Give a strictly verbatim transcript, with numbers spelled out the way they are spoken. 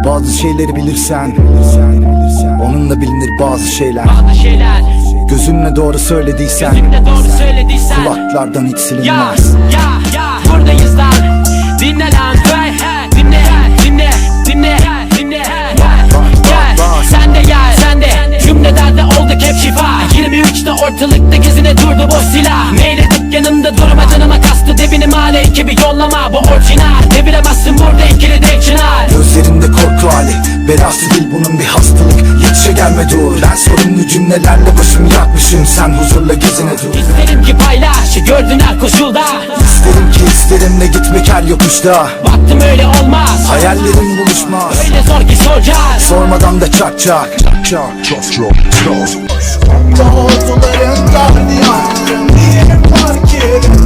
Bazı şeyleri bilirsen onunla bilinir bazı şeyler. Bazı şeyler Gözünle doğru söylediysen, gözünle doğru söylediysen kulaklardan hiç silinmez. Ya ya ya buradayız lan. Dinle lan hey hey. Dinle dinle dinle dinle Gel sen de gel sen de. Cümlelerde olduk hep şifa. Yirmi üçte ortalıkta gezine durdu boş silah. Meyledip yanımda durma, canıma kastı debini male. Ekibi yollama bu orijinal. Deviremezsin burada ikili de çınar. Gözlerinde korku hali, belası değil bunun bir hastalık. Yetişe gelme dur, ben sorumlu cümlelerle başımı yakmışım. Sen huzurla gezine dur. İsterim ki paylaş gördün her koşulda. İsterim ki isterimle gitmek her yokuşta. Baktım öyle olmaz, hayallerim buluşmaz. öyle zor ki soracağız. Sormadan da çak çak çak çak çak çak. Orduların gardiyanları niye fark edin?